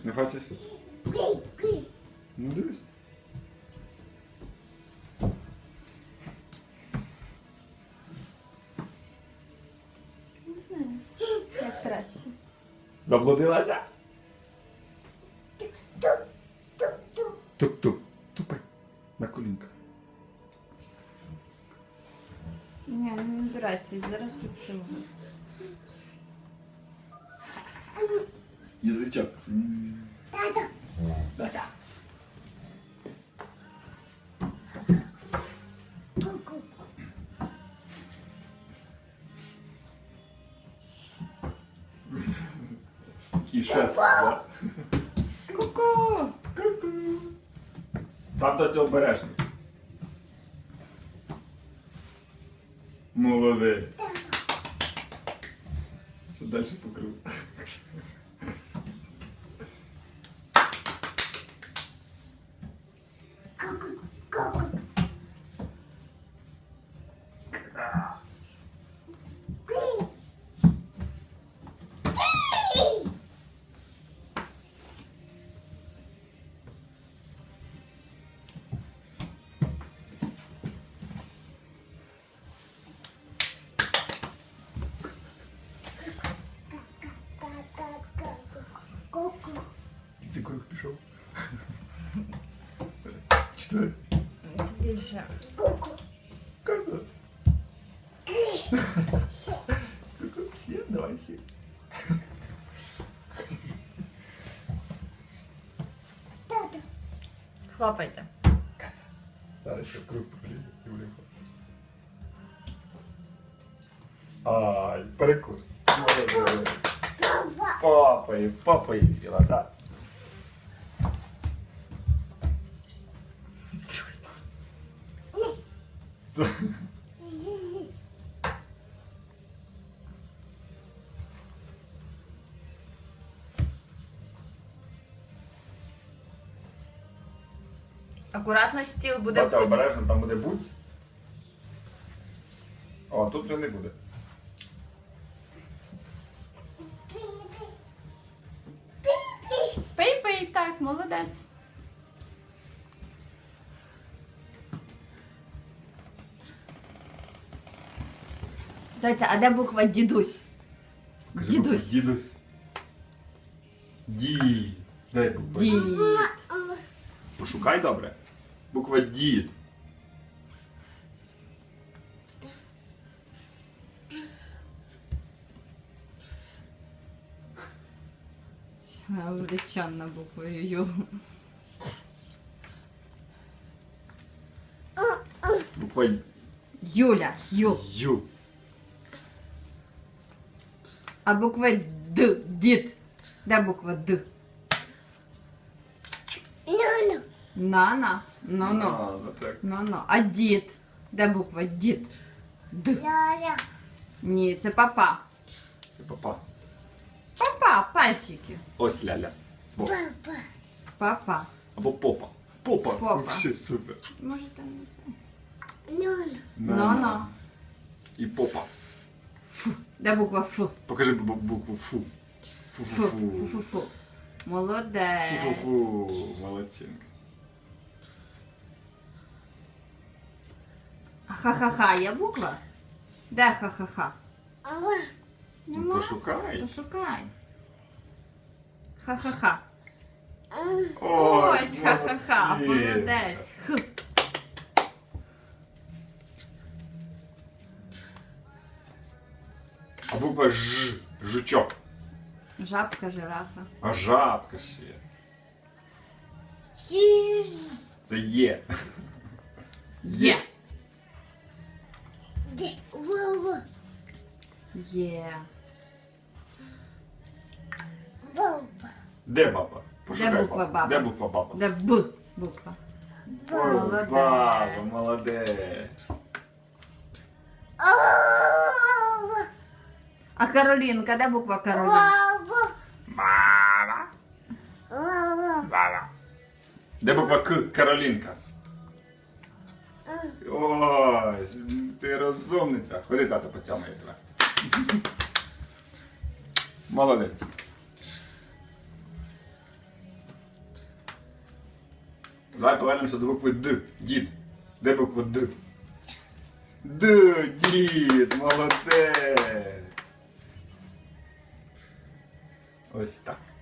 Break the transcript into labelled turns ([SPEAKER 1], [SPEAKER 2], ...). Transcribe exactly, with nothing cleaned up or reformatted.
[SPEAKER 1] Не хочеш? Ну дивись.
[SPEAKER 2] Не знаю. Як краще.
[SPEAKER 1] Заблудилася? Тук-тук. Тупай. На колінках.
[SPEAKER 2] Ні, не здрасте, зараз тут цього.
[SPEAKER 1] Язичок.
[SPEAKER 3] Тата.
[SPEAKER 1] Датя.
[SPEAKER 3] Ку-ку.
[SPEAKER 1] Такий шест, да?
[SPEAKER 2] Ку-ку!
[SPEAKER 1] Там до цього обережно. Молодець. Що далі покрив?
[SPEAKER 3] Ку-ку. Ку-ку. Ку-ку.
[SPEAKER 1] Це круг пішов. Чотири.
[SPEAKER 2] Більше.
[SPEAKER 3] Ку-ку.
[SPEAKER 1] Ку-ку.
[SPEAKER 3] Ще.
[SPEAKER 1] Ку-ку. Всі, давай всі.
[SPEAKER 3] Тата.
[SPEAKER 2] Хлопайте.
[SPEAKER 1] Катя. Зараз ще в круг покліє і вліво. Ай, перекур. Молодець.
[SPEAKER 3] Папа.
[SPEAKER 1] Папа, папа їла, так.
[SPEAKER 3] Зі-зі.
[SPEAKER 2] Акуратно стіл буде
[SPEAKER 1] Бача,
[SPEAKER 2] в
[SPEAKER 1] обережно, там буде буць. О, тут вже не буде.
[SPEAKER 3] Пі-пі. Пі-пі.
[SPEAKER 2] Пий-пий, так, молодець. Доця, а де буква дідусь?
[SPEAKER 1] Кажи,
[SPEAKER 2] Дідусь.
[SPEAKER 1] букву, Дідусь. Ді. Дай букву.
[SPEAKER 2] Дід.
[SPEAKER 3] Мама.
[SPEAKER 1] Пошукай добре. Буква дід.
[SPEAKER 2] Увлеченна буквою Ю.
[SPEAKER 1] Буква
[SPEAKER 2] Юля. Ю.
[SPEAKER 1] Ю.
[SPEAKER 2] А буква Д. Дід. Де буква Д?
[SPEAKER 3] Ну-ну.
[SPEAKER 2] Нана. Ну-ну.
[SPEAKER 1] А, ну так.
[SPEAKER 2] Ну-ну. А дід? Де буква дід? Д.
[SPEAKER 3] Ля-ля.
[SPEAKER 2] Ні, це папа.
[SPEAKER 1] Це папа.
[SPEAKER 2] Папа, пальчики.
[SPEAKER 1] Ось ляля. Збоку.
[SPEAKER 3] Папа.
[SPEAKER 2] Папа.
[SPEAKER 1] Або попа. Попа.
[SPEAKER 2] Попа.
[SPEAKER 1] Вообще супер.
[SPEAKER 2] Може там не це.
[SPEAKER 3] Ну-ну.
[SPEAKER 2] Ну-ну.
[SPEAKER 1] І попа.
[SPEAKER 2] Де буква Ф?
[SPEAKER 1] Покажи бу- букву фу.
[SPEAKER 2] Фу.
[SPEAKER 1] Фу-фу-фу.
[SPEAKER 2] Фу-фу-фу. Молодець.
[SPEAKER 1] Фу-фу-фу. Молодчинка.
[SPEAKER 2] А ха-ха-ха є буква? Де ха-ха-ха?
[SPEAKER 3] Ава.
[SPEAKER 1] Ну,
[SPEAKER 2] Нема?
[SPEAKER 1] пошукай.
[SPEAKER 2] Пошукай. Ха-ха-ха.
[SPEAKER 1] Ось,
[SPEAKER 2] Ось ха-ха-ха.
[SPEAKER 1] молодці.
[SPEAKER 2] Молодець. Х.
[SPEAKER 1] А буква Ж. Жучок.
[SPEAKER 2] Жабка, жирафа.
[SPEAKER 1] А жабка ще є.
[SPEAKER 3] Сі.
[SPEAKER 1] Це є.
[SPEAKER 2] Є.
[SPEAKER 3] Де. Вова.
[SPEAKER 2] Є.
[SPEAKER 3] Вова.
[SPEAKER 1] Де баба? Пошукай
[SPEAKER 2] буква
[SPEAKER 1] бабу.
[SPEAKER 2] баба?
[SPEAKER 1] Де буква баба?
[SPEAKER 2] Де Б буква. Молодець.
[SPEAKER 1] Баба, молодець.
[SPEAKER 3] Ава.
[SPEAKER 2] А Каролінка, де буква Каролінка?
[SPEAKER 3] Вова.
[SPEAKER 1] Мама.
[SPEAKER 3] Вова.
[SPEAKER 1] Мама. Де буква К? Каролінка. Ось, ти розумниця. Ходи, тато, поцьомає тебе. Молодець. Давай повернемося до букви Д. Дід. Де буква Д? Д, дід, молодець. Ось так.